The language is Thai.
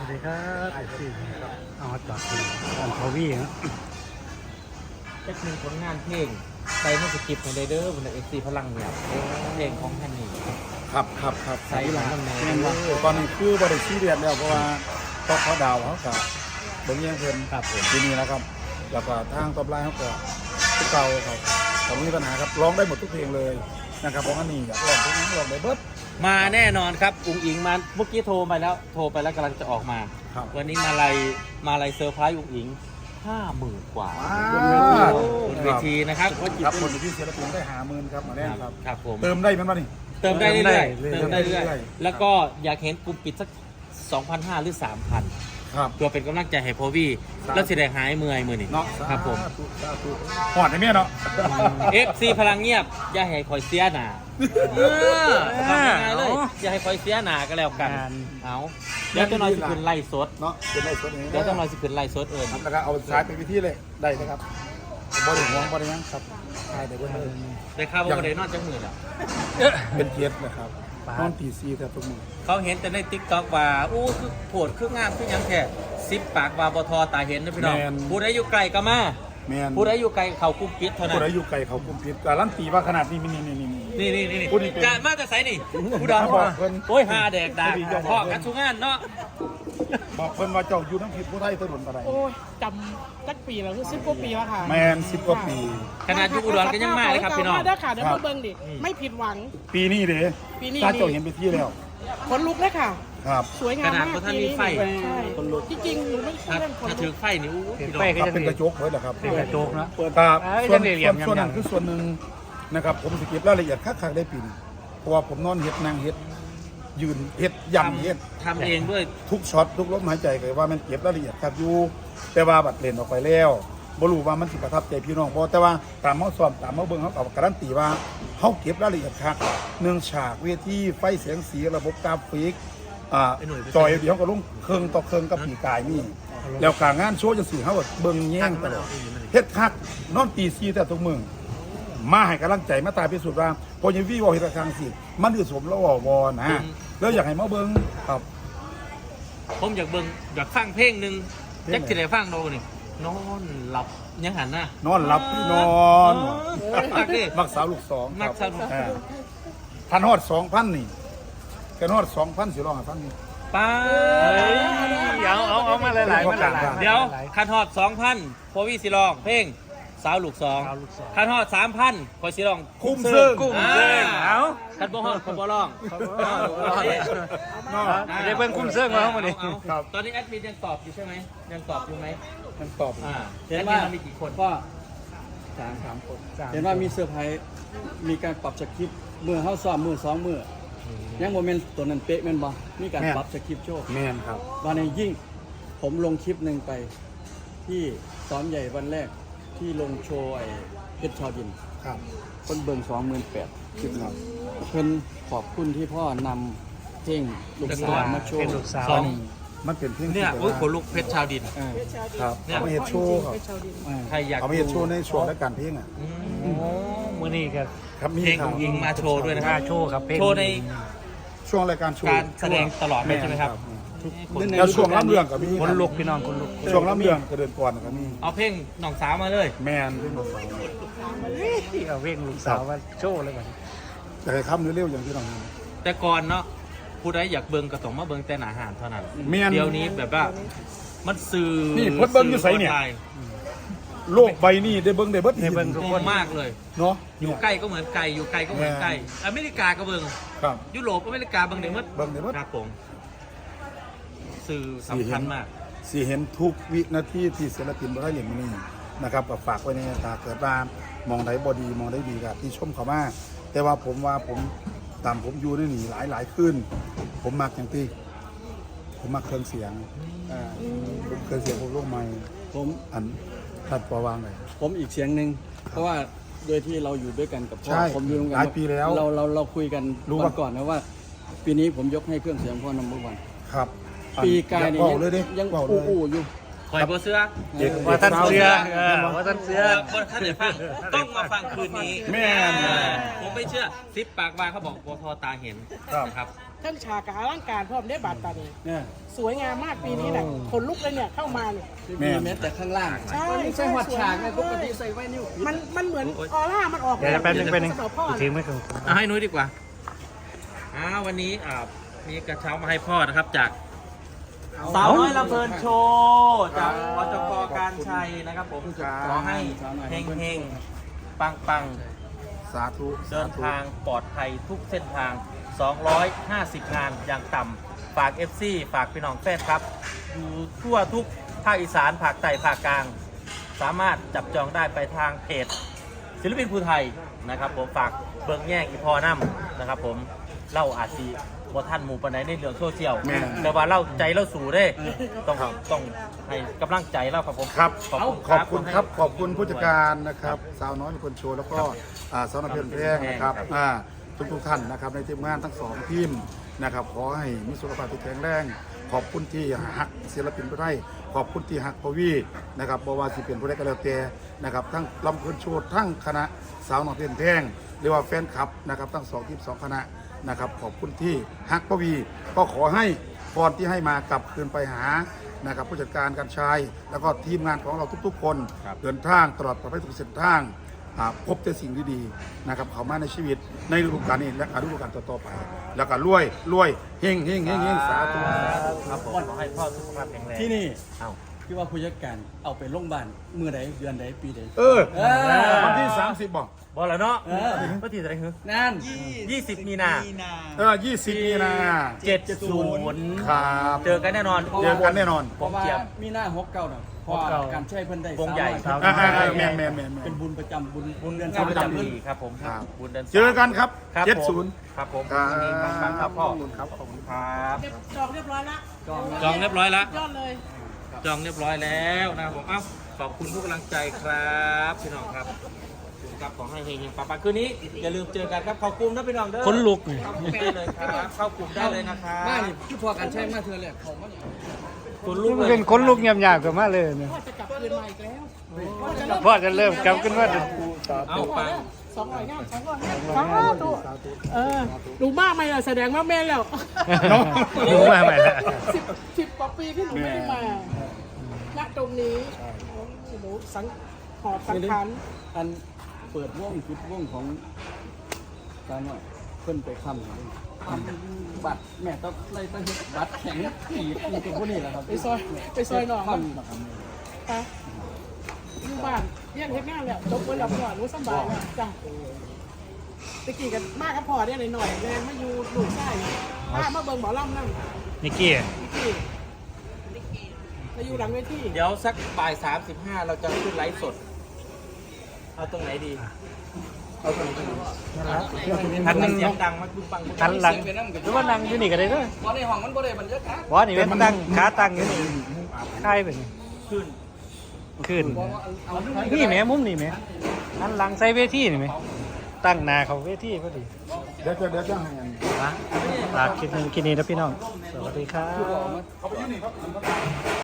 วัสดีครับสี่ครับเอาจากอันทวีนะเป็กหนึ่งผลงานเพลงใส่มาสกิปในเดอร์บนเอ็กซีพลังเนี่ยเพลงของท่านนี่ครับใส่หลังแม่ตอนนี้คือบริษัทเรียนแล้วเพราะว่าต้องเขาดาวเขากับเบิ้งเยี่ยงเพิ่นครับผมทีนี้นะครับแล้วก็ทางตบไลน์เขาก็ทุกเก่าครับแต่ไม่มีปัญหาครับร้องได้หมดทุกเพลงเลยนะครับเพราะว่านี่อยากร้องเพลงนี้ร้องได้เบิดมาแน่นอนครับอุ๋งอิงมาเมื่อกี้โทรไปแล้วกำลังจะออกมาวันนี้มาลัยเซอร์ไพรส์อุ๋งอิง50,000 กว่าบนเวทีนะครับครับคนที่ศิลปินได้50,000ครับมาแน่ครับครับผมเติมได้มันมานี่เติมได้เรื่อยๆแล้วก็อยากเห็นกลุ่มปิดสัก 2,500 หรือ 3,000 ครับตัวเป็นกำลังใจให้โพวี่แล้วสิได้หายเมื่อยมือนี่เนาะครับผมหอดในเมียเนาะ FC พลังเงียบอย่าให้คอยเสียหนาทำยังไงเลยอย่าให้คอยเสียหนาก็แล้วกันเอาเดี๋ยวจะน้อยสิขึ้นไล่สดเนาะเป็นไล่สดเดี๋ยวจะน้อยสิขึ้นไล่สดแล้วก็เอาสายเป็นวิธีเลยได้นะครับบริหารบริยังครับใช่ได้ด้วยได้ข่าวว่าได้นอนจังมือแล้วเป็นเกียรตินะครับนอนตีซีแต่ทุกมือเขาเห็นแต่ในติ๊กต็อกว่าอู้คือโผดคืองามคือยังแค่10 ปากว่าบทตาเห็นนะพี่น้องผู้ใดอยู่ไกลก็มาผู้ใดอยู่ไกลเขากุ้มปิดเท่านั้นผู้ใดอยู่ไกลเขากุ้มปิดการันตีว่าขนาดนี้นี่การมาแต่ไสนี่ผู้ดาวโอ้ย5แดกดาพ่อกันทุกงานเนาะบอกเพิ่นว่าเจ้าอยู่ทั้งผิดผู้ไทยถนนอะไรโอ้ยจำตั้งปีแล้วคือ10 กว่าปีแล้วค่ะแมน10 กว่าปีขนาดอยู่อุดรก็ยังมาเลยครับพี่น้องได้ค่ะเดี๋ยวมาเบิ่งดิไม่ผิดหวังปีนี้เด้ถ้าเจ้าเห็นไปที่แล้วขนลุกเลยค่ะครับสวยงามมากท่านมีไฟใช่จริงๆหนูไม่ใช่เรื่องคนถ้าถือไฟนี่อู้ไฟเป็นกระจกเลยเหรอครับเป็นกระจกนะครับส่วนนั้นคือส่วนหนึ่งนะครับผมสเก็บรายละเอียดคักๆได้ปีนเพราะว่าผมนอนเฮ็ดนั่งเฮ็ดยืนเฮ็ดย่ำเฮ็ดทำเองด้วยทุกช็อตทุกลมหายใจเลยว่ามันเก็บรายละเอียดครับอยู่แต่ว่าบัดเล่นออกไปแล้วบ่รู้ว่ามันสิประทับใจพี่น้องบ่แต่ว่าตามเฮาซ้อมตามเฮาเบิ่งเฮาก็การันตีว่าเฮาเก็บรายละเอียดครับเนื่องฉากเวทีไฟเสียงสีระบบกราฟิกจอยเดี๋ยวก็ลงเครื่องต่อเครื่องกับปีกายนี่แล้วการงานโชว์จังซี่เฮาก็เบิ่งแย่งตลอดเฮ็ดคักนอนตี4แต่ทุกมื้อมาให้กำลังใจมาตายพิสูจน์ว่าพอยังวี่วอเฮ็ดทางสิมันคือสมแล้ววอนะแล้วอยากให้มาเบิ่งครับผมอยากเบิ่งอยากฟังเพลงนึงจักสิได้ฟังโดนี่นอนหลับยังหันหน้านอนหลับนอนมักสาวลูก2 มักสาวลูกทันฮอด 2,000 นี่กันฮอด 2,000 สิร้องให้ฟังนี่ป้าเอามาหลายๆเดี๋ยวคันฮอด 2,000พอวี่สิร้องเพลงสาวลูก2คันฮอด 3,000พอสิร้องคุ้มซึ่งเอาคันบ่ฮอดบ่ร้องได้เบิ่งคุ้มเซิงมามื้อนี้ตอนนี้แอดมินยังตอบอยู่ใช่ไหมยังตอบอยู่ไหมยังตอบเห็นว่ามีกี่คนก็3 คนเห็นว่ามีเซอร์ไพรส์มีการปรับสคริปต์มือเข้าซ้อมมือ2 มือยังโมเมนต์ตัวนั้นเป๊ะแม่นบ่มีการปรับสคริปต์โชว์แม่นครับวันนี้ยิ่งผมลงคลิปหนึ่งไปที่ซ้อมใหญ่วันแรกที่ลงโชว์ไอ้เพชรชาวดินครับคนเบิ่ง28,000คลิปครับเพิ่นขอบคุณที่พ่อนำเพลงลูกสาวมาโชว์มันเป็นเพลงเนี่ยโอ้ยคนลุกเพชรชาวดินครับเอาไปเฮ็ดโชว์ครับใครอยากเอาไปเฮ็ดโชว์ในช่วงรายการเพลงมื้อนี้ครับเพลงของยิงมาโชว์ด้วยนะครับโชว์ครับโชว์ในช่วงรายการโชว์การแสดงตลอดใช่ไหมครับแล้วช่วงรับเรื่องก็มีคนลุกพี่น้องคนลุกช่วงรับเรื่องก็เดินก่อนก็มีเอาเพลงหนองสาวมาเลยแมนเพลงหนองสาวเอาเพลงลูกสาวมาโชว์เลยมันจะให้ค้ำเร็วๆอย่างที่น้องแต่ก่อนเนาะผู้ใดอยากเบิ่งก็ต้องมาเบิ่งแต่หน้าอาหารเท่านั้นเดี๋ยวนี้แบบว่ามันสื่อนี่พดเบิ่งอยู่ไสเนี่ยโลกใบนี้ได้เบิ่งได้เบิดให้เบิ่งทุกคนมากเลยเนาะอยู่ใกล้ก็เหมือนไกลอยู่ไกลก็เหมือนใกล้อเมริกาก็เบิ่งครับยุโรปอเมริกาเบิ่งได้หมดครับผมสื่อสำคัญมากสิเห็นทุกวินาทีที่ศิลปินบ่ได้เล่นมื้อนี้นะครับก็ฝากไว้ในตาเกิดว่ามองได้บ่ดีมองได้ดีครับที่ชมเขามาแต่ว่าผมตามผมอยู่ในนี่หลายขึ้นผมมักอย่างที่ผมมักเครื่องเสียงเครื่องเสียงพวกโลกใหม่ผมอันทัดปอวางเลยผมอีกเสียงหนึ่งเพราะว่าโดยที่เราอยู่ด้วยกันกับพ่อผมอยู่ด้วยกันหลายปีแล้วเราคุยกันวันก่อนนะว่าปีนี้ผมยกให้เครื่องเสียงพ่อนัม1 ครับปีกายนี่ยังอู้อยู่คอยบ่เสื้อว่าท่านเสื้อว่าท่านเสื้อคนท่านจะฟังต้องมาฟังคืนนี้แม่ผมไม่เชื่อ10 ปากว่าเขาบอกบทตาเห็นครับเครื่องฉากกับอลังการพร้อมได้บาดตานี่เนี่ยสวยงามมากปีนี้แหละขนลุกเลยเนี่ยเข้ามาเนี่ยมีแม้แต่ข้างล่างใช่ไม่ใช่หัดฉากนะปกติใส่ไว้นิ้วมันเหมือนออร่ามันออกเดี๋ยวแป๊บนึงสำหรับพ่อถือไม่ถึงเอาให้นุ้ยดีกว่าวันนี้มีกระเช้ามาให้พ่อนะครับจากสาวน้อยลำเพลินโชว์จากอจกการชัยนะครับผมขอให้เฮงเฮงปังปังสาธุเดินทางปลอดภัยทุกเส้นทาง 250 งานอย่างต่ำฝาก FC ฝากพี่น้องแฟนครับ อยู่ทั่วทุกภาคอีสานภาคใต้ภาคกลาง สามารถจับจองได้ไปทางเพจศิลปินภูไทยนะครับผมฝากเบิ่งแย่งอีพอน้ำนะครับผมเล่าอาชีบ่ท่านหมู่ปานใดในเรื่องโซเชียลแต่ว่าเล่าใจเล่าสู่ได้ต้องให้กำลังใจเล่าครับผมครับขอบคุณขอบคุณครับ ขอบคุณผู้จัดการนะครับสาวน้อยคนโชว์แล้วก็สาวน้อยเพลินแพงนะครับทุกท่านนะครับในทีมงานทั้งสองทีมนะครับขอให้มีสุขภาพที่แข็งแรงขอบคุณที่หักศิลปินผู้ไทยขอบคุณที่หักพวีนะครับบ่ว่าสิเป็นผู้ใดก็แล้วแต่นะครับทั้งลำเพลินโชว์ทั้งคณะสาวน้อยเพลินแพงหรือว่าแฟนคลับนะครับทั้งสองทีมสองคณะนะครับขอบคุณที่ฮักพวีก็ขอให้พรที่ให้มากลับคืนไปหานะครับผู้จัดการการชายแล้วก็ทีมงานของเราทุกๆคนเดินทางตลอดปลอดภัยทุกเส้นทางพบแต่สิ่งดีๆนะครับเข้ามาในชีวิตในฤดูกาลนี้และฤดูกาลต่อๆไป แล้วก็รวยเฮงสาธุครับผมขอให้พ่อสุขภาพแข็งแรงที่นี่เอ้าที่ว่าผู้จัดการเอาไปโรงพยาบาลเมื่อใดเดือนใดปีใดวันที่30บอกบอกแล้วเนาะเออก็ทีอะไรคือนั่น 20 มีนา 20มีนา 70 ครับเจอกันแน่นอนเจอกันแน่นอนเพราะว่ามีหน้า69น่ะเพราะว่าการใช้เพิ่นได้วงใหญ่สาวแมนเป็นบุญประจำบุญเดือนงานประจำปีปีครับผมครับบุญเดินเจอกันครับครับผม 70 ครับผมครับยินดีมากๆครับพ่อขอบคุณครับขอบคุณครับจองเรียบร้อยละจองเรียบร้อยแล้วยอดเลยจองเรียบร้อยแล้วนะครับผมขอบคุณทุกกำลังใจครับพี่น้องครับครับขอให้เฮงๆปังๆคืนนี้อย่าลืมเจอกันครับเข้ากลุ่มนะพี่น้องเด้อคนลุกนี่เข้ากลุ่มได้เลยครับเข้ากลุ่มได้เลยนะครับมานี่คือพอการใช้มาเธอแหละเขามาคุณลูกมันเป็นคนลุกเงียบๆกันมากเลยเนี่ยพ่อจะกลับคืนมาอีกแล้วพ่อจะเริ่มกลับขึ้นว่าเอาปัง 200 งาน200 งานสาธุดูมากไหมล่ะแสดงว่าแม่แล้วรู้มาใหม่ละ 10 กว่าปีที่หนูไม่ได้มาณตรงนี้หนูหอบสังขารอันเปิดวงจุดวงของตาหน่อยเพิ่นไปค้ำบัตรแม่ต้องไล่ตั้งบัตรแข็งผีเป็นพวกนี้แหละครับไปซอยหนองค้ำนะครับไปอยู่บ้านเรียนเฮ็ดงานแล้วจบเพิ่นแล้วพ่อหนูสบายแล้วจ้ะตะกี้กันมากกับพ่อเนี่ยหน่อยๆแรงมาอยู่ลูกชายมาเบิ่งหมอลำนั่นนิกกี้มาอยู่หลังเวทีเดี๋ยวสักบ่าย 35 เราจะขึ้นไลฟ์สด เอาตรงไหนดีทันหนึ่งเสียงดังมากบึ้งปังทันหลังหรือว่านั่งอยู่นี่ก็ได้ด้วยบ่ในห้องมันบ่ได้บรรยากาศบอสนี่เป็นตั้งขาตั้งอยู่นี่ค่ายเป็นขึ้นขึ้นเอานี่แหม่มุมนี่แหม่หันหลังใส่เวทีนี่แหม่ตั้งหน้าเขาเวทีพอดีเดี๋ยวจะให้อันฝากคลิปนี้นะพี่น้อง สวัสดีครับเขาไปยืนนี่ครับ